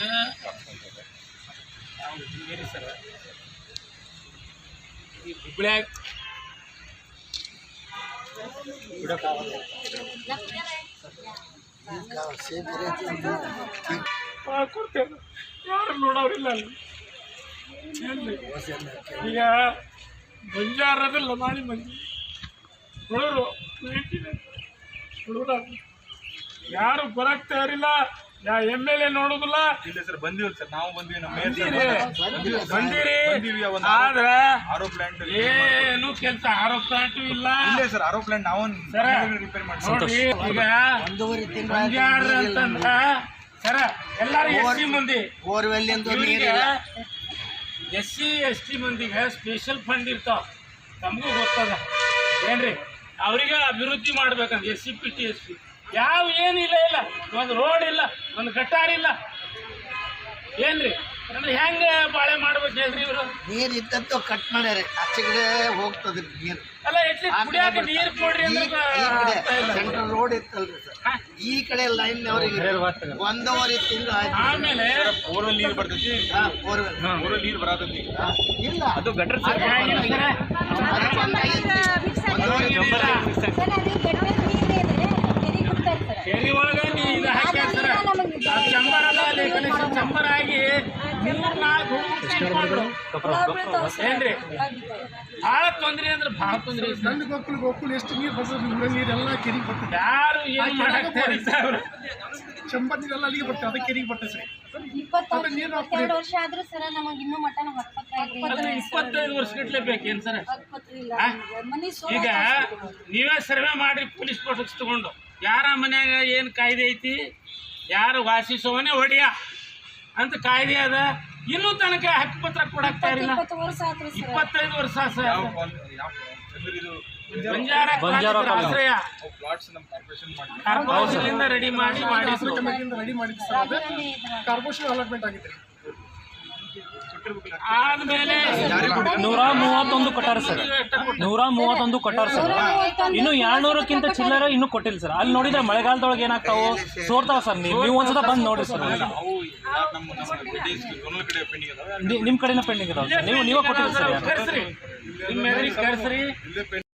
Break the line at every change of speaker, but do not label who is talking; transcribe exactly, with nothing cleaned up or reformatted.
ಹಿಂಗೇರಿ sir ಈ ಹುಬ್ಳ್ಯಾಗ ಕೊಡ್ತೇವೆ ಯಾರು ನೋಡೋರಿಲ್ಲ ಅಲ್ಲಿ ಈಗ ಬಂಜಾರದಲ್ಲ ಮಾಡಿ ಮಂದಿ ಹುಡುಗರು ಹುಡುಗರು ಯಾರು ಬರಕ್ ತಯಾರಿಲ್ಲ ಯಾ ಎಮ್ ಎಲ್ ಎ ನೋಡುದಿಲ್ಲ.
ಇಲ್ಲ ಸರ್ ಬಂದಿವಲ್ಲ ಸರ್ ನಾವು ಬಂದಿವಿ ನಮ್ಮ
ಬಂದಿರಿ ಆದ್ರೆ
ಆರೋ ಪ್ಲಾಂಟ್
ಏನು ಕೆಲಸ ಆರೋ ಪ್ಲಾಂಟ್ ಇಲ್ಲ.
ಇಲ್ಲ ಸರ್ ಆರೋ ಪ್ಲಾಂಟ್ ನಾವು ರಿಪೇರ್
ನೋಡ್ರಿ ಈಗ ಬಂಜಾರ ಅಂತಂದ್ರ ಸರ ಎಲ್ಲಾರು ಎಸ್ ಸಿ ಮಂದಿ ಎಸ್ ಸಿ ಎಸ್ ಟಿ ಮಂದಿಗೆ ಸ್ಪೆಷಲ್ ಫಂಡ್ ಇರ್ತಾವ. ನಮಗೂ ಗೊತ್ತದ ಏನ್ರಿ ಅವ್ರಿಗೆ ಅಭಿವೃದ್ಧಿ ಮಾಡ್ಬೇಕಂತ SCP TSP ಯಾವ ಏನಿಲ್ಲ ಇಲ್ಲ ಒಂದು ರೋಡ್ ಇಲ್ಲ ಒಂದು ಗಟಾರ್ ಇಲ್ಲ ಏನ್ರಿ ಅಂದ್ರೆ ಹೆಂಗ ಬಾಳೆ ಮಾಡ್ಬೇಕು ಹೇಳ್ರಿ ಇವರು.
ನೀರ್ ಇದ್ದದ್ದು ಕಟ್ ಮಾಡ್ಯಾರ ಆಚೆ ಕಡೆ ಹೋಗ್ತದ್ರಿ ನೀರು.
ಅಲ್ಲ ಎಟ್ಲಿ ಕುಡಿಯಾಕ ನೀರ್ ಕೊಡ್ರಿ
ಸೆಂಟ್ರಲ್ ರೋಡ್ ಇತ್ತಲ್ರಿ ಸರ್ ಈ ಕಡೆ ಲೈನ್ ಅವರಿಗೆ ಒಂದೂವರೆ ತಿಂಗಳು
ಆಮೇಲೆ
ಬೋರ್ವೆಲ್ ನೀರು ಬರ್ತೈತಿ. ಬೋರ್ವೆಲ್ ನೀರು ಬರತೈತಿ
ಇಲ್ಲ
ಅದು ಗಟರ್
ಕೆರೆ ಒಳಗ ಇದು ಹಾಕ್ಯಾರ ಸರ ಚಂಬರ್ ಅಲ್ಲ ಅಲ್ಲಿ ಕನೆಕ್ಷನ್ ಚಂಬರ್ ಆಗಿ ಮೂರ್ ನಾಲ್ಕು ಏನ್ರಿ ಭಾಳ ತೊಂದ್ರೆ ಅಂದ್ರೆ ಭಾಳ ತೊಂದ್ರೆ.
ನನ್ನ ಗೋಕುಲ್ ಗೋಕುಲ್ ಎಷ್ಟು ನೀರು ಬರ್ತದೆ ನೀರೆಲ್ಲ ಕೆರಿಗೆ ಬರ್ತದೆ.
ಯಾರು ಏನು ಮಾಡಾಕ್ತಾರೆ ಸರ್
ಚಂಬರ್ ನೀರೆಲ್ಲ ಅಲ್ಲಿಗೆ ಬರ್ತದೆ ಅದಕ್ಕೆ ಕೆರಿಗೆ ಬರ್ತದೆ ಸರ್.
ಇಪ್ಪತ್ತೆರಡು ವರ್ಷ ಆದ್ರೂ ಸರ ನಮಗ್ ಇನ್ನೂ ಮಟನ್
ಇಪ್ಪತ್ತೈದು ವರ್ಷ ಗಟ್ಲೆ ಬೇಕೇನು ಸರ್? ಈಗ ನೀವೇ ಸರ್ವೆ ಮಾಡಿ ಪೊಲೀಸ್ ಸ್ಟೇಷನ್ ತಗೊಂಡು ಯಾರ ಮನ್ಯಾಗ ಏನು ಕಾಯ್ದೆ ಐತಿ ಯಾರು ವಾಸಿಸೋವನೇ ಹೊಡಿಯ ಅಂತ ಕಾಯ್ದೆ ಅದ ಇನ್ನೂ ತನಕ ಹಕ್ಕುಪತ್ರ ಕೊಡಾಕ್ತಾ ಇರಲಿಲ್ಲ. ಇಪ್ಪತ್ತೈದು ವರ್ಷ ಬಂಜಾರ ಆಶ್ರಯ ಕಾರ್ಪೊರೇಷನ್ ರೆಡಿ ಮಾಡಿ ಮಾಡಿ
ರೆಡಿ ಮಾಡಿದ್ದು ಸರ್ ಅದು ಕಾರ್ಪೊರೇಷನ್ ಅಲಾಟ್ಮೆಂಟ್ ಆಗಿತ್ತು.
ಆದ್ಮೇಲೆ
ನೂರ ಮೂವತ್ತೊಂದು ಕೊಟ್ಟಾರ ಸರ್ ನೂರ ಮೂವತ್ತೊಂದು ಕೊಟ್ಟಾರ ಸರ್ ಇನ್ನು ಎರಡ್ನೂರಕ್ಕಿಂತ ಚಿಲ್ಲರ ಇನ್ನೂ ಕೊಟ್ಟಿಲ್ಲ ಸರ್. ಅಲ್ಲಿ ನೋಡಿದ್ರೆ ಮಳೆಗಾಲದೊಳಗೆ ಏನಾಗ್ತಾವು ಸೋರ್ತಾವ ಸರ್. ನೀವು ನೀವು ಒಂದ್ಸಲ ಬಂದು ನೋಡ್ರಿ ಸರ್. ನಿಮ್ಮ ಕಡೆನ ಪೆಂಡಿಂಗ್ ಇದಾವೆ ಸರ್. ನೀವು ನೀವೇ ಕೊಟ್ಟಿಲ್ಲ ಸರ್.
ಕರ್ಸ್ರಿ ನಿಮ್ಮ ಕರ್ಸ್ರಿ